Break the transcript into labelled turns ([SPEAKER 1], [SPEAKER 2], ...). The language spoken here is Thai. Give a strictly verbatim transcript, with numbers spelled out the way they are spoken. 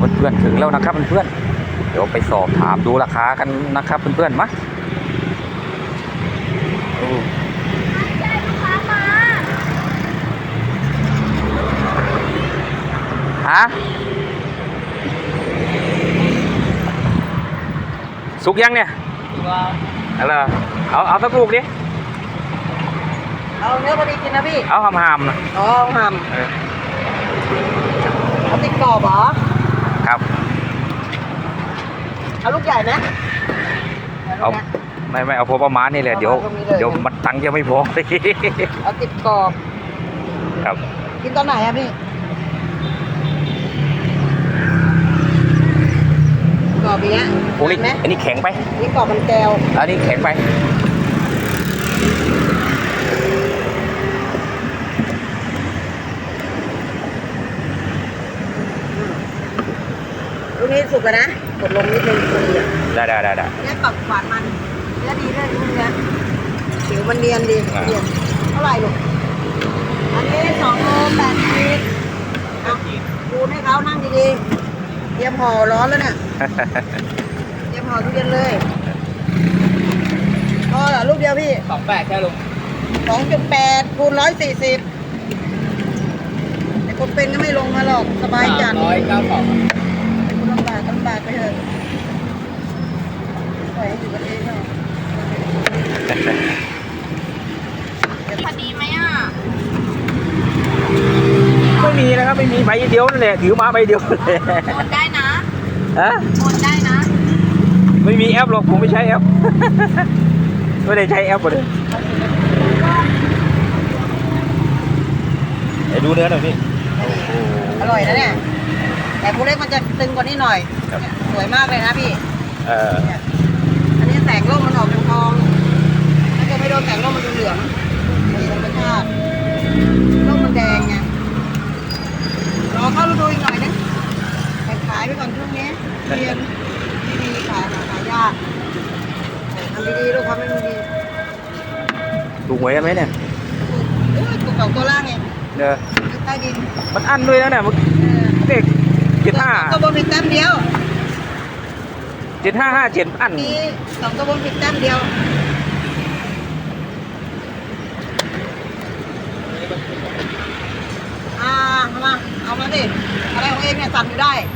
[SPEAKER 1] เพื่อนๆถึงแล้วนะครับเพื่อนๆเดี๋ยวไปสอบถามดูราคากันนะครับเพื่อนๆมาฮะสุกยังเนี่ยอะไรเอาเอาสักลูกดิ
[SPEAKER 2] เอาเนื้อพอดีกินนะพี่
[SPEAKER 1] เอาหำๆนะ
[SPEAKER 2] อ๋อหำเอาติดกรอบเหรอ
[SPEAKER 1] ครับ
[SPEAKER 2] เอาลูกใหญ่ไหม
[SPEAKER 1] เอาไม่ไม่เอาพอประมาณนี่แหละเดี๋ยวเดี๋ยวมันตังค์จะไม่พอ
[SPEAKER 2] เอาติดกรอบ
[SPEAKER 1] ครับ
[SPEAKER 2] กินตอนไหนอะพี่กรอบอย่างเงี้ย
[SPEAKER 1] โอ้นี่อันนี้แข็งไป
[SPEAKER 2] นี่กรอบมันแก้ว
[SPEAKER 1] อันนี้แข็งไป
[SPEAKER 2] ลูกนี้สุกแล้วนะกดลงนิดนึงพอดีอ่ะ
[SPEAKER 1] ได้ได้ได้ได้
[SPEAKER 2] เนี่ยกรอบหวานมันเนื้อดีด้วยลูกเนี้ยผิวมันเนียนดีเนียนเท่าไหร่ลูกอันนี้สองโลแปดสิบเอาดูให้เขานั่งดีๆเตรียมห่อร้อนแล้วเนี่ยเตรียมห่อทุเรียนเลยพอเหรอลูกเดียวพี่
[SPEAKER 3] สองแปดแค่ลง
[SPEAKER 2] สองจุดแปดคูณร้อยสี่สิบแต่คนเป็นก็ไม่ลงมาหรอกสบายจัด
[SPEAKER 3] ร้อยเก้าสอง
[SPEAKER 2] คุณลำบากลำบากไปเถอะปล่อยให้อยู่กันเองเนาะ
[SPEAKER 4] พอดีไหมอ่ะ
[SPEAKER 1] ไม่มีนะครับไม่มีใบเดียวนั่นแหละถือมาใบเดียวเลย
[SPEAKER 4] โอนได้นะ
[SPEAKER 1] ฮะ
[SPEAKER 4] โอนได้นะ
[SPEAKER 1] ไม่มีแอปหรอกผมไม่ใช้แอปไม่ได้ใช้แอปเลยไอ้ดูเนื้อหน่อยพี่
[SPEAKER 2] อร่อยนะเนี่ยแต่ผู้เล็กมันจะตึงกว่านี้หน่อยสวยมากเลยนะพี่
[SPEAKER 1] เออ
[SPEAKER 2] อันนี้แสงร่มมันออกเป็นทองถ้าเกิดไม่โดนแสงร่มมันจะเหลืองมีธรรมชาติร่มมันแดงไงรอเข้าฤดูอีกหน่อยนึงแต่ขายไปก่อนช่วงนี้เรียนดีๆขายหายากทำดีๆลูกทำไม่ดี
[SPEAKER 1] ถูกหวยกันไหมเนี่ย
[SPEAKER 2] ถูกสองตัวล่างไง
[SPEAKER 1] เนอะ
[SPEAKER 2] ใต้ดิน
[SPEAKER 1] มันอั้นด้วยนะเนี่ยมันเด็กเจ็ดห้า
[SPEAKER 2] ตัวบนผิดแต้มเดียว
[SPEAKER 1] เจ็ดห้าห้าเจ็ดอั้น
[SPEAKER 2] มีสองตัวบนผิดแต้มเดียวอ่ามาเอามาดิอะไรของเองเนี่ยสั่นอยู่ได้